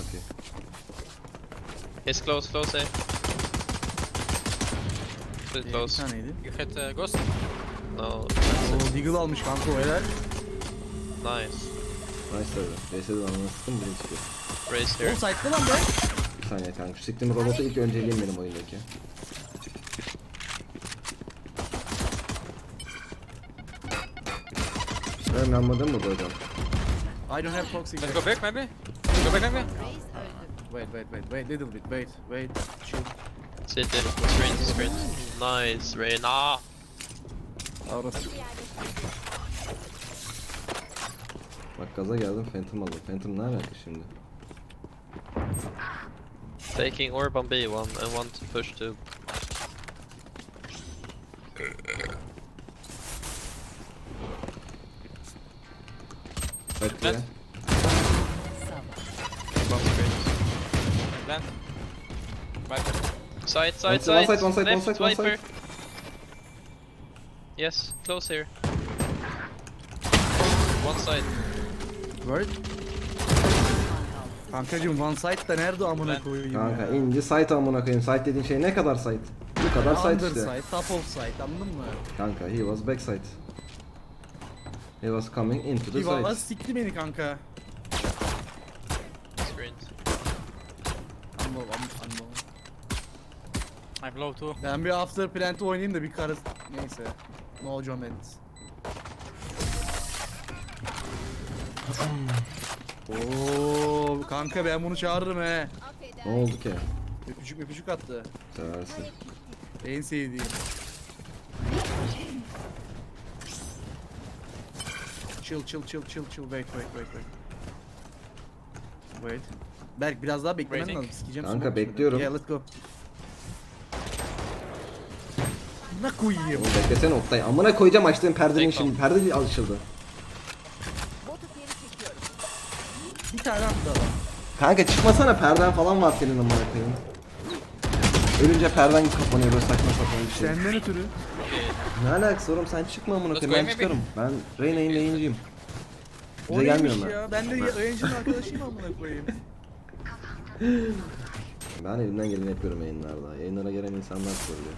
okey. He's close, close A. Too Bir close. taneydi. You hit Ghost? No. Oo, Deagle almış kanka o helal. Nice. Nice tabi. VS'de ananı sıktım biri çıkıyor. Raise O here. site'da lan be. Bir saniye kanka. Şu siktiğim robotu ilk önceliğim benim oyundaki. Ben anladım mı bu hocam? I don't have toxic. Let's go back maybe? Go back maybe? Wait, little bit, wait, chill. City. Screen, screen. Nice, Reyna. Orası. Bak gaza geldim Phantom aldım. Phantom ne alaka şimdi? Taking orb on B1 and one to push to. Bak buraya. Bomb screen. Plant. Viper. Side, side, One side. side, one side, one Left, side, one side. Viper. Yes, close here. One side. Word. Kankacım one site da nerede amına Ben- koyayım Kanka ya? ince site amına koyayım. Site dediğin şey ne kadar site? Bu kadar site Under işte. site, top of site anladın mı? Kanka he was backside. He was coming into the Valla site. sikti beni kanka. Screen. Anlo. I'm low too. Ben bir after plant oynayayım da bir karı... Neyse. No comments. Oo kanka ben bunu çağırırım he. Ne oldu ki? Öpücük attı. Seversin. En sevdiğim. Chill. Wait. Berk biraz daha beklemen Waiting. lazım. Sikeceğim Kanka, smoke içmeden. bekliyorum. Yeah, let's go. Ne koyayım? Oğlum beklesene Oktay. Amına koyacağım açtığım perdenin Bekle. şimdi. Perde açıldı. Bir tane attı adam. Kanka çıkmasana perden falan var senin amına koyayım. Ölünce perden kapanıyor böyle saçma sapan bir şey. Senden ötürü. Ne alakası oğlum sen çıkma amına Let's koyayım ben go, maybe. çıkarım. Ben Reyna'nın lane'ciyim. O Bize neymiş gelmiyorum ben. ya? Ben de yayıncının arkadaşıyım amına koyayım. Ben elimden geleni yapıyorum yayınlarda. Yayınlara gelen insanlar söylüyor.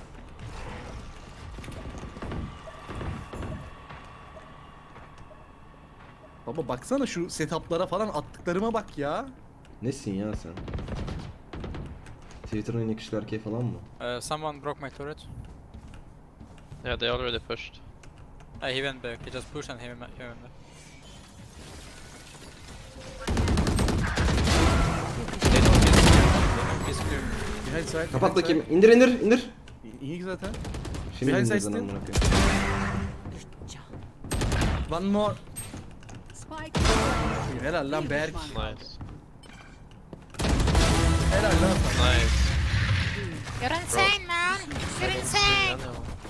Baba baksana şu setuplara falan attıklarıma bak ya. Nesin ya sen? Twitter'ın en yakışıklı erkeği falan mı? Someone broke my turret. Yeah, they already pushed. He went back. He just pushed and he went back. They know he's clear. Behind side. Kapat behind bakayım. İndir. side. İyi zaten. Şimdi Behind indirdin side amına still. koyayım. One more. Spike. Helal lan Berk. Nice. Helal lan. Nice. You're insane, man. You're insane.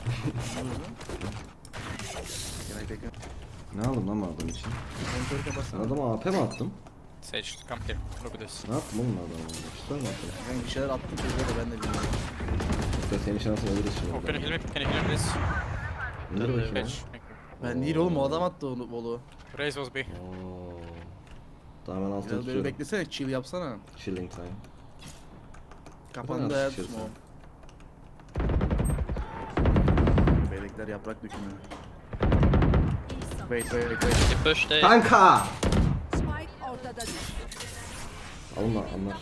Ne aldım lan bu adam için? Monitörü Ben kapatsana. adama AP mi attım? Sage, come here. Look at this. Ne yaptım oğlum adama? Çıkar mı attım? Ben bir şeyler attım çocuğa da ben de bilmiyorum. Yoksa senin şansın ölürüz Oh, can you şimdi. heal me? Can you heal me, please? İndir bakayım ya. Sage. Thank you. Ben değil oğlum o adam attı onu bolu. Raise was B. Oo. Tamam ben altına Biraz böyle tutuyorum. beklesene chill yapsana. Chilling time. Kapandı Biraz hayat şişirsin. smoke. Beylekler yaprak dökümü. Wait. He pushed A. Kanka! Spike ortada düştü. Alma anlar. Anladım.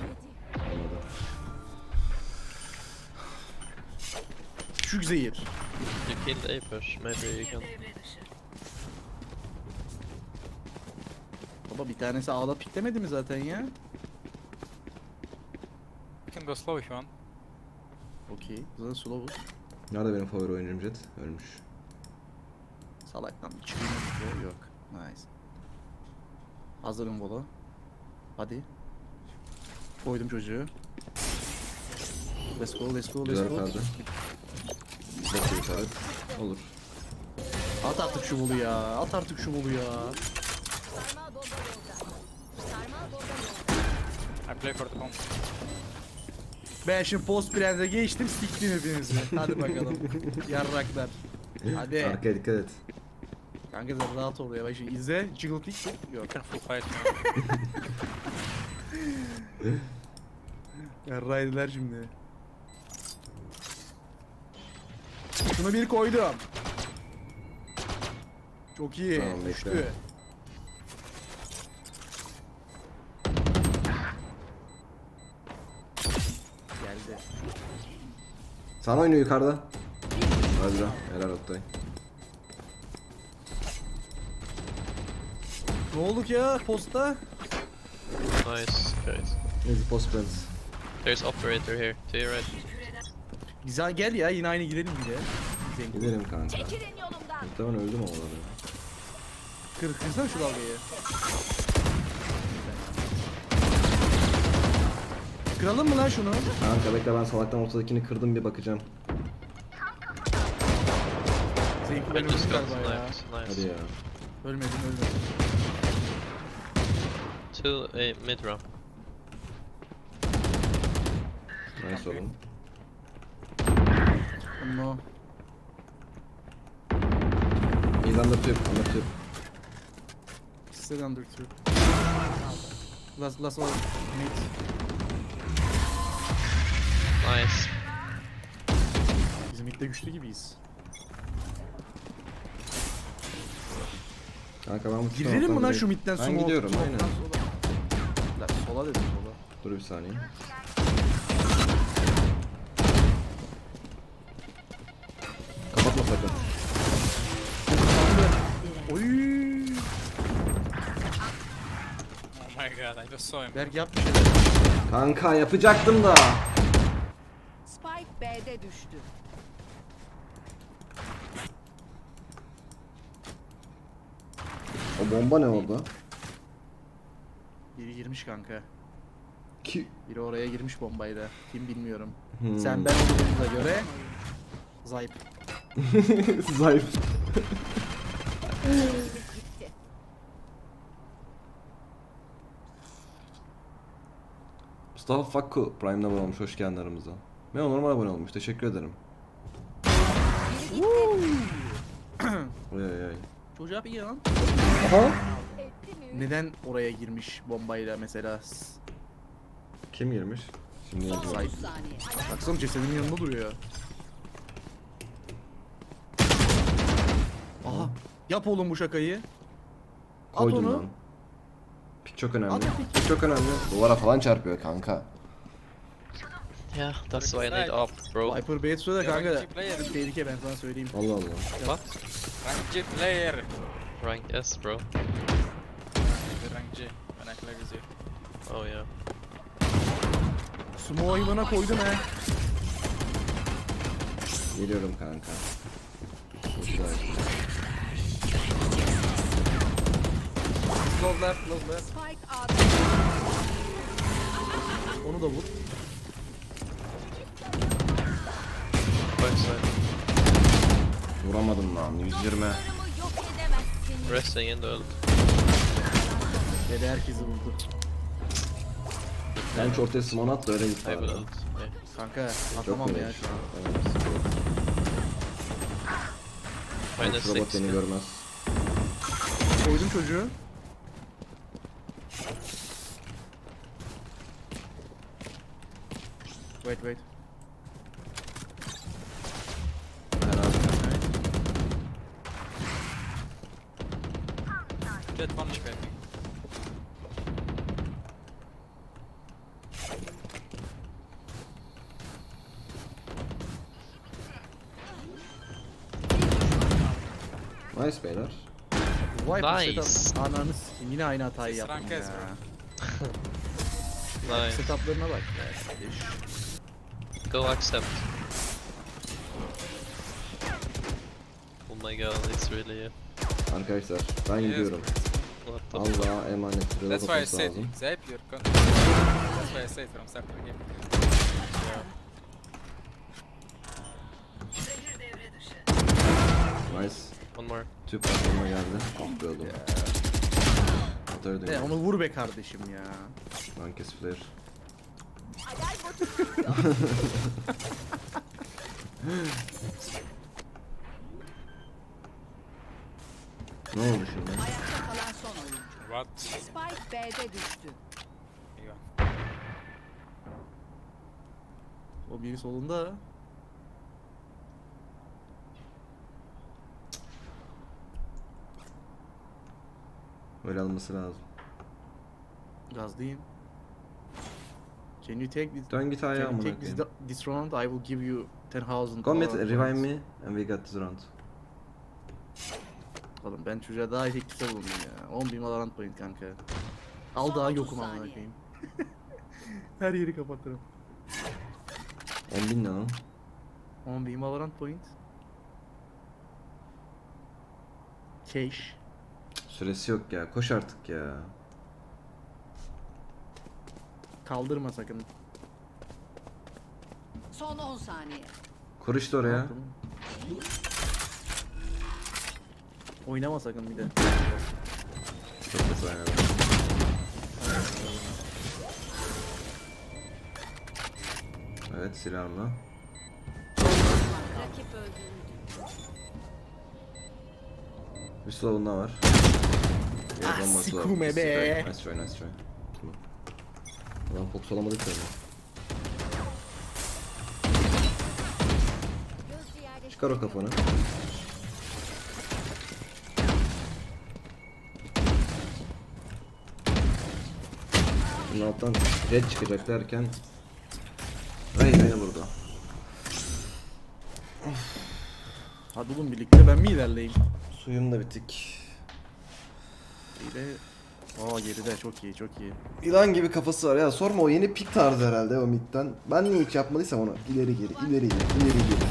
Küçük zehir. You killed A push. Maybe you can. Baba bir tanesi ağla piklemedi mi zaten ya? You can go slow if you want. Okey. Zaten slow'uz. Nerede benim favori oyuncum Jet? Ölmüş. Salaktan bir çıkayım mı? Yok. Nice. Hazırım bolo. Hadi. Koydum çocuğu. Let's go. Güzel perde. Çok iyi perde. Olur. At artık şu bolu ya. I play for the home. Ben şimdi post plant'e geçtim siktim hepinizi. Hadi bakalım. Yarraklar. Hadi. Arkaya dikkat et. Kanka sen rahat ol ya. Bak şimdi izle. Jiggle kick. Yok. You can full fight. Yarraydılar şimdi. Şunu bir koydum. Çok iyi. Tamam, bekle. Düştü. Geldi. Sana oynuyor yukarıda. Hadi lan. Helal Oktay. Ne olduk ya posta? Nice, guys. Neyse post plans. There's operator here, to your right. Güzel gel ya yine aynı gidelim bir de. Zengin. Gidelim kanka. Çekilin yolumdan. Muhtemelen öldüm ama orada. Kırsana şu dalgayı. Kıralım mı lan şunu? Kanka bekle ben salaktan ortadakini kırdım bir bakacağım. Zevkli I ben just öldüm got galiba ya. sniped, Hadi nice. ya. Ölmedim ölmedim. Two, mid ramp. Nice oğlum. No. He's under tube, under tube. Still under two. Last one. Mate. Nice. Bizim midde güçlü gibiyiz. Kanka ben bu Girelim mi taraftan lan direkt- şu midden Ben sola? gidiyorum Soldan aynen. sola. Lan sola dedim sola. Dur bir saniye. Kapatma sakın. Oy. Oh my god, I just saw him. Berk yap bir şeyler. Kanka yapacaktım da. Spike B'de düştü. O bomba ne orada? Biri girmiş kanka. Ki... Biri oraya girmiş bombayla. Kim bilmiyorum. Hmm. Sen ben olduğumuza göre Zayıf. Zayıf. Mustafa Fakku Prime'da abone olmuş. Hoş geldin aramıza. Ben normal abone olmuş. Teşekkür ederim. Oy oy oy. Çocuğa bir lan. Aha. Neden oraya girmiş bombayla mesela? Kim girmiş? Şimdi yazıyor. Zayıf. Saniye. Baksana cesedin yanında duruyor. Aha. Yap oğlum bu şakayı. At Koydum onu. lan. Pik çok önemli. At pik. Pik çok önemli. Duvara falan çarpıyor kanka. Yeah, that's why I need op, bro. Viper Bait söyle kanka. Rank player. Tehlike ben sana söyleyeyim. Allah Allah. What? Rank G player. Rank S, bro. The rank G when I play with you. Oh yeah. Sumo hayvana koydum he. Geliyorum kanka. Güzel. Close left, close left. Spike A'da. Onu da vur. Backside. Vuramadım lan. 120. Yok edemezsin. Resting in the ult. Dede herkesi vurdu. Ben şu ortaya smon at da öyle git I will bari. ult. Yeah. Kanka Çok atamam ya güzel. şu an. Evet, Minus robot 6. beni görmez. Koydum çocuğu. Wait wait. Dead one HP, I think. Nice beyler. Viper Nice. setup. Ananı s**eyim, yine aynı hatayı Siz yaptım rank ya. S bro. Nice. Setuplarına bak ya kardeş. Go accept. Oh my god, it's really Arkadaşlar ben gidiyorum. what the Allah'a emanet. Reload That's why I atması said lazım. Zap your control. That's why I said from start of the game. Nice. One more. Tüp platforma geldi. Ah be oğlum. Atarı De dönüyor. onu vur be kardeşim ya. Rankes flare. Ne oldu şimdi? Ayakta kalan son oyuncu. What? Spike B'de düştü. Here you go. O biri solunda. Öyle alması lazım. Gazdayım. Can you take this? Dön git ayağa Can you amına take this, koyayım. this round? I will give you 10,000. Go mid, points. revive me and we got this round. Oğlum ben çocuğa daha teklifte bulundum ya. 10.000 Valorant point kanka. Al Son daha 30 yokum amına saniye. koyayım. Her yeri kapatırım. 10.000 ne lan? 10.000 Valorant point. Cash. Süresi yok ya. Koş artık ya. Kaldırma sakın. Son 10 saniye. Kur işte oraya. Tamam. Oynama sakın bir de. Çok da sayar. Evet silahla. Rakip öldürüldü. Bir slow'unda var. Ah, Bomba slow. sikume Nice be. try, nice try, nice try. Tamam. Ulan fokus olamadık tabii. Gözcü yerleştiriliyor. Çıkar o kafanı. Bunun alttan red çıkacak derken Ray beni vurdu. Hadi oğlum birlikte ben mi ilerleyeyim? Suyum da bitik. İyi de... Aa geride çok iyi çok iyi. Yılan gibi kafası var ya, sorma, o yeni pik tarzı herhalde o midden. Ben niye hiç yapmadıysam onu ileri geri ileri geri ileri geri.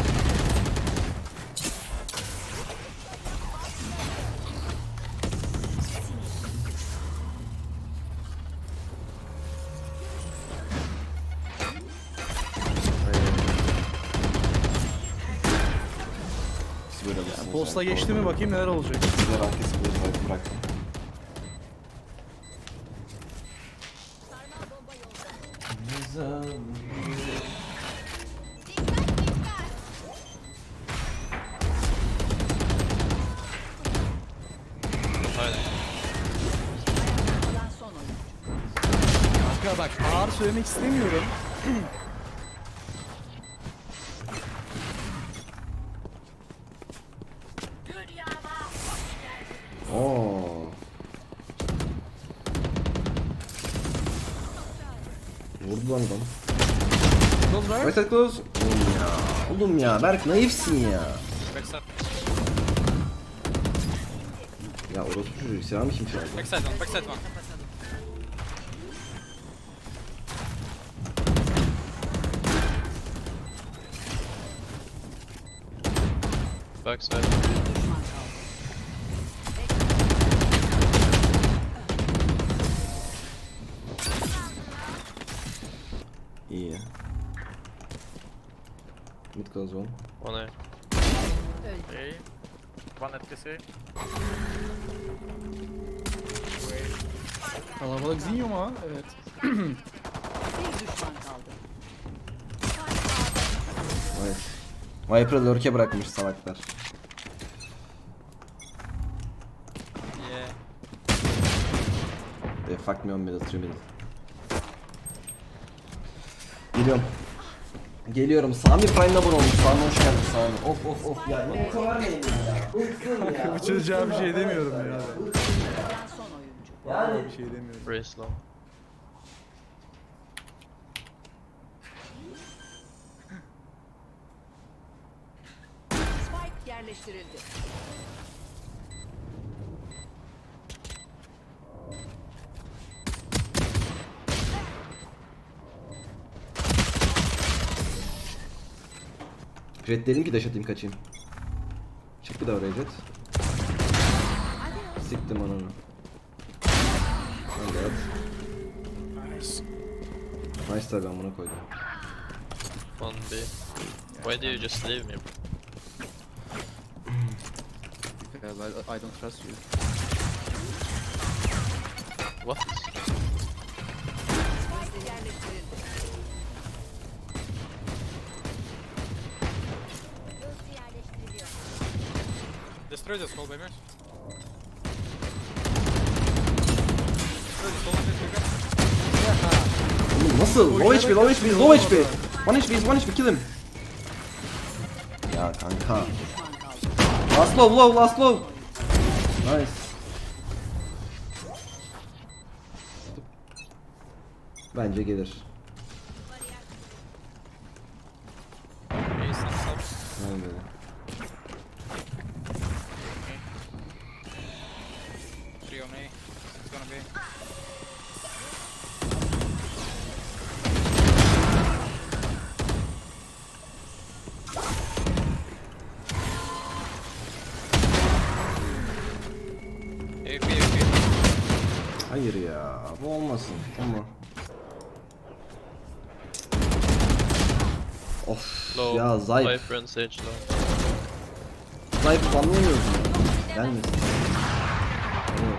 Biz böyle alırsınız Posta yani. geçti mi bakayım neler olacak. Sizler arkası bıraktım. Sarmal bomba yolda. Aynen. Kalan son oyuncu. Kanka bak ağır söylemek istemiyorum. Oo. Vurdu lan adam. Close right. Right side close. Oğlum ya. Oğlum ya Berk naifsin ya. Backside. Ya orospu çocuğu silahımı kim çaldı? Backside one. Backside one. Backside. Düşman kaldı. İyi. Mid close one. One A. Öldü. Okay. One at TC. Kalabalık zinyo mu ha? Evet. Bir düşman kaldı. Nice. Viper'ı lurk'e bırakmış salaklar. Yeah. They fuck me on middle, 3 middle. Geliyorum. Geliyorum. Sami Prime'da abone olmuş. Sami hoş geldin Sami. Of of of ya. Ne bu kadar neyim ya? Bıktım ya. Bu çocuğa bir şey demiyorum ya. Kalan son oyuncu. Vallahi bir şey demiyorum. Very slow. Spike yerleştirildi. Jet dedim ki dash atayım kaçayım. Çık bir daha oraya Jet. Siktim ananı. Hadi at. Nice tabi amına koydum. One B. Why do you just leave me? Because I don't trust you. What? Spike yerleştirildi. Gözcü yerleştiriliyor. Destroy this whole baby. Destroy this whole baby. Oğlum nasıl? Low HP, low HP, low HP. One HP, kill him. Ya kanka. Düşman kaldı. Last low. Nice. Bence gelir. Ace and sub. Aynen. Three on A. It's gonna be. AP. Hayır ya, bu olmasın. Ama. Of Low. ya Zayıf. Viper and Sage low. Zayıf anlamıyorsun. Gelmesin. Evet.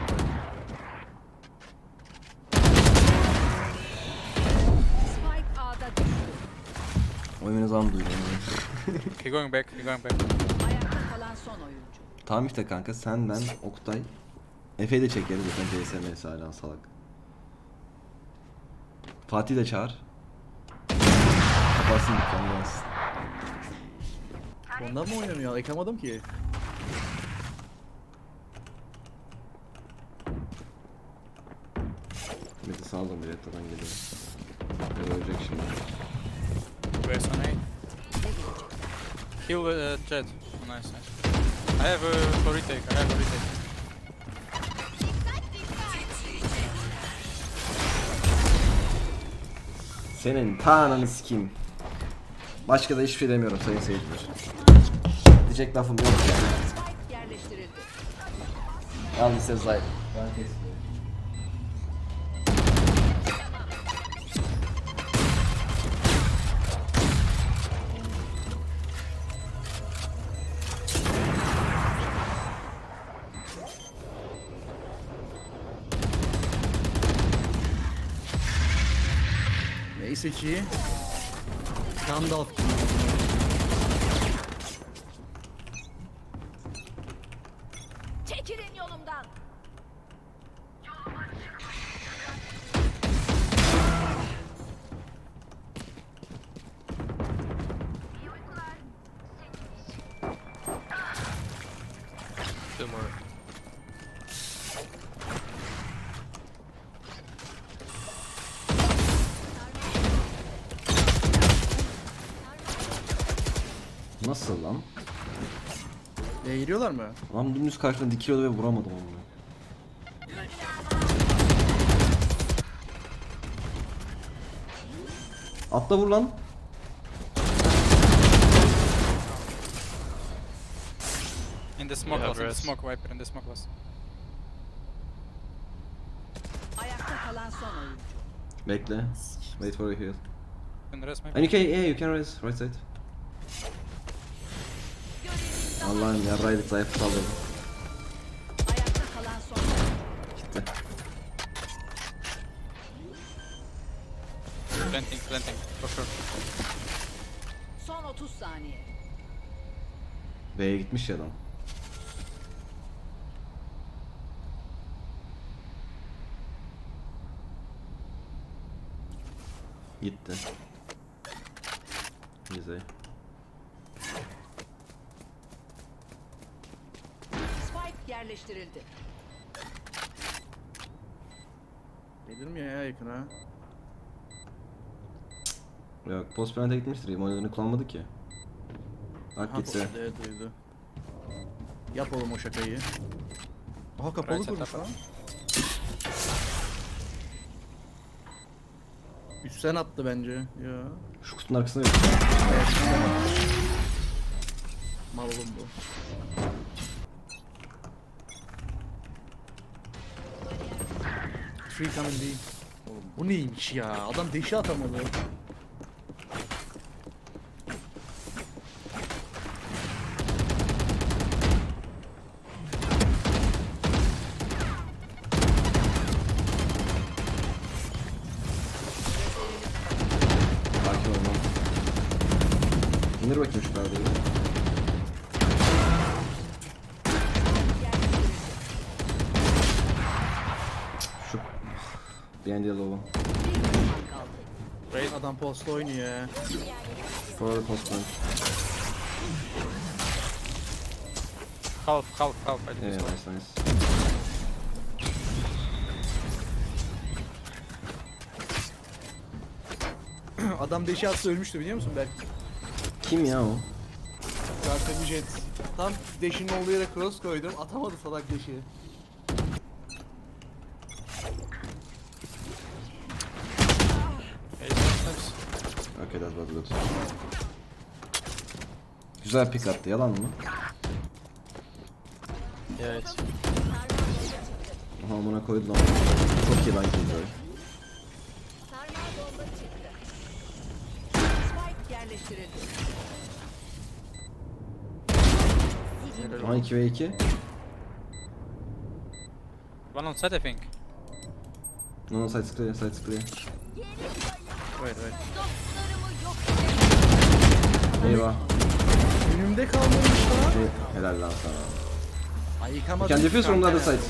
Spike A'da düştü. Oyunu zaman duydum. He going back. Ayakta kalan son oyuncu. Tamam işte kanka, sen, ben, Oktay. Efe'yi de çekeriz zaten, CSMS hala salak. Fatih de çağır. Kapatsın dükkanı yansın. Ondan mı oynamıyor? Ekamadım ki. Meti sağlam bir rettadan geliyor. Ölecek şimdi. Race on A. Kill Jet. Nice. I have a retake. Senin ta ananı sikeyim. Başka da hiçbir şey demiyorum sayın seyirciler. Diyecek lafım yok. Spike yerleştirildi. Al size Zayıf. Ben kesmiyorum. Neyse ki. Gandalf. Çekilin yolumdan. Two more. Nasıl lan? Giriyorlar mı? Lan dümdüz karşımda dikiliyordu ve vuramadım onu. Atla vur lan. In the smoke Yeah, was. In the rest. smoke Viper. In the smoke was. Ayakta kalan son oyuncu. Bekle. Wait for a heal. In the rest maybe. And you can, yeah, you can raise right side. Allah'ım yarraydık, Zayıf'ı saldırdım. Ayakta kalan son oyuncu. Gitti. Planting. For sure. Son 30 saniye. B'ye gitmiş ya adam. Gitti. Güzel. Spike yerleştirildi. Gelir mi ya yakına? Yok, post plant'e gitmiştir. İmanlarını kullanmadı ki. Bak gitse. Evet duydu. Yap oğlum o şakayı. Aha kapalı Right, kurmuş setup. lan. Üstten attı bence. Ya. Şu kutunun arkasına yok. Evet, üstten attı. Mal oğlum bu. Free coming değil. Oğlum bu neymiş ya? Adam deşi atamadı. Sakin ol lan. İndir bakayım şu perdeyi. Şu. Behind yellow'u. Bir düşman kaldı. Adam posta oynuyor ya. For the postman. Half. I Yeah, think so. nice. Adam deşi atsa ölmüştü biliyor musun belki? Kim ya o? Zaten jet. Tam deşinin olduğu yere cross koydum. Atamadı salak deşi. Hey, nice. Okay, that was good. Güzel pick attı, yalan mı? Yeah, it's Aha buna koydu lan. Çok iyi lan Killjoy. Spike yerleştirildi. Aha 2v2. One on site, I think. No, side's clear, side's clear. Wait. Eyvah. Önümde kalmamış lan. Helal lan sana. Ay You yıkamadım. can defuse from the other side.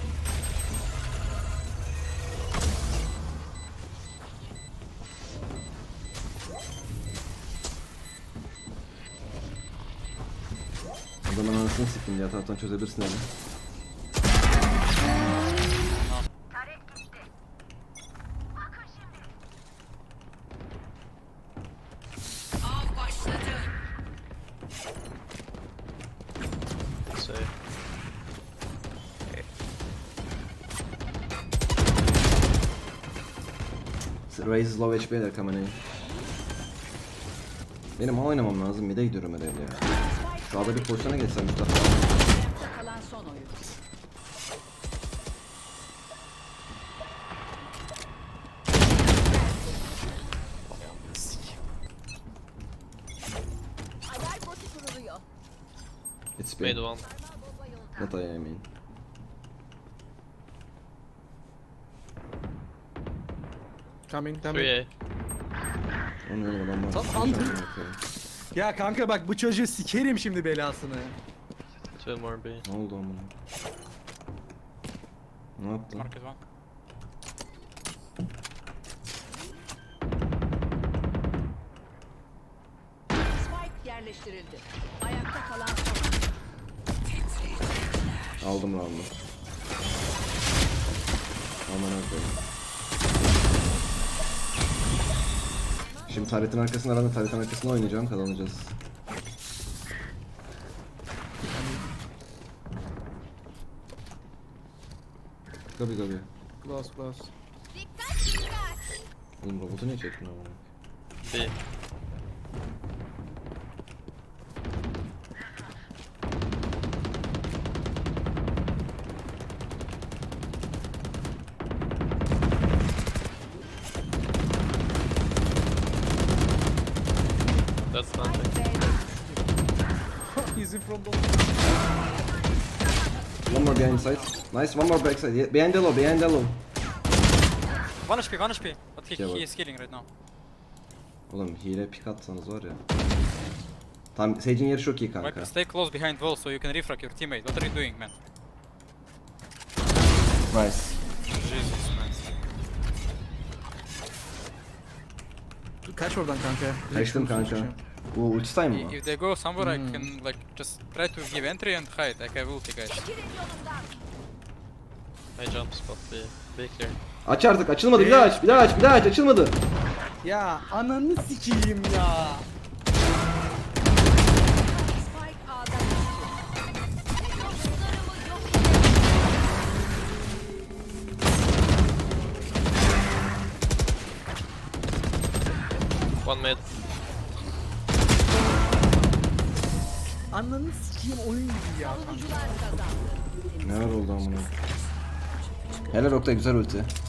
Adamın anasını siktim diye taraftan çözebilirsin yani. safe. Raze is low HP, they're coming in. Benim oynamam lazım, mid'e gidiyorum herhalde ya. Sağda bir pozisyona geçsem Mustafa. Ayakta kalan son oyuncu. It's Made B. one. Not I mean. Coming. 3A. Onun adam var. Tamam. Ya kanka bak bu çocuğu sikerim şimdi belasını. 2 more B. Ne oldu amına? Ne yaptın? Market one. Spike yerleştirildi. Ayakta kalan son oyuncu. Aldım round'u. Aman koyayım. Şimdi taretin arkasına aranın taretin arkasına oynayacağım, kazanacağız. Gabi. Close. Oğlum robotu niye çektin amına? B. That's nothing. He's in front of. One more behind side. Nice, one more backside. Yeah, behind yellow. 1 HP. But he Okay, is killing right now. Oğlum hile pick atsanız var ya. Tam Sage'in yeri çok iyi kanka. Viper, stay close behind wall so you can refrag your teammate. What are you doing, man? Nice. Jesus, man. Kaç oradan kanka. Kaçtım kanka. Bu ulti time mı? If they go somewhere, I can like just try to give entry and hide. Like I will take guys. I jump spot B. B clear. Aç artık, açılmadı. Bir daha aç, açılmadı. Ya ananı sikeyim ya. Spike A'da düştü. One mid. Ananı sikeyim oyun gibi ya. Savunucular kazandı. Neler oldu amına? Helal Oktay, güzel ulti.